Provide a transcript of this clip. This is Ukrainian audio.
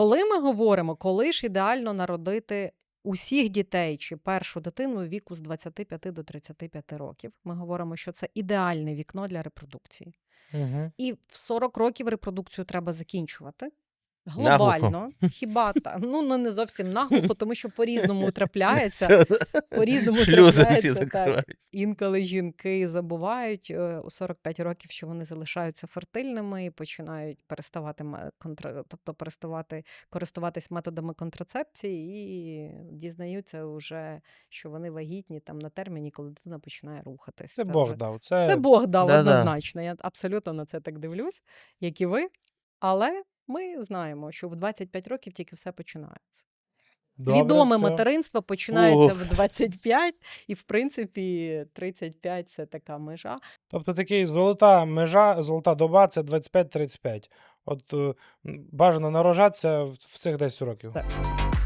Коли ми говоримо, коли ж ідеально народити усіх дітей чи першу дитину віку з 25 до 35 років, ми говоримо, що це ідеальне вікно для репродукції. Угу. І в 40 років репродукцію треба закінчувати. Наглухо. Глобально, хіба не зовсім наглухо, тому що по-різному трапляється. Все, По-різному шлюзи всі трапляється, так. закривають. Інколи жінки забувають у 45 років, що вони залишаються фертильними і починають переставати користуватись методами контрацепції і дізнаються вже, що вони вагітні там на терміні, коли дитина починає рухатись. Це Це Бог вже- дав. Це Бог дав Да-да. однозначно. Я абсолютно на це так дивлюсь, як і ви. Але ми знаємо, що в 25 років тільки все починається. Добре, Свідоме все. материнство починається Ух. в 25, і, в принципі, 35 – це така межа. Тобто такий золота межа, золота доба – це 25-35. От бажано народжатися в цих 10 років. Так.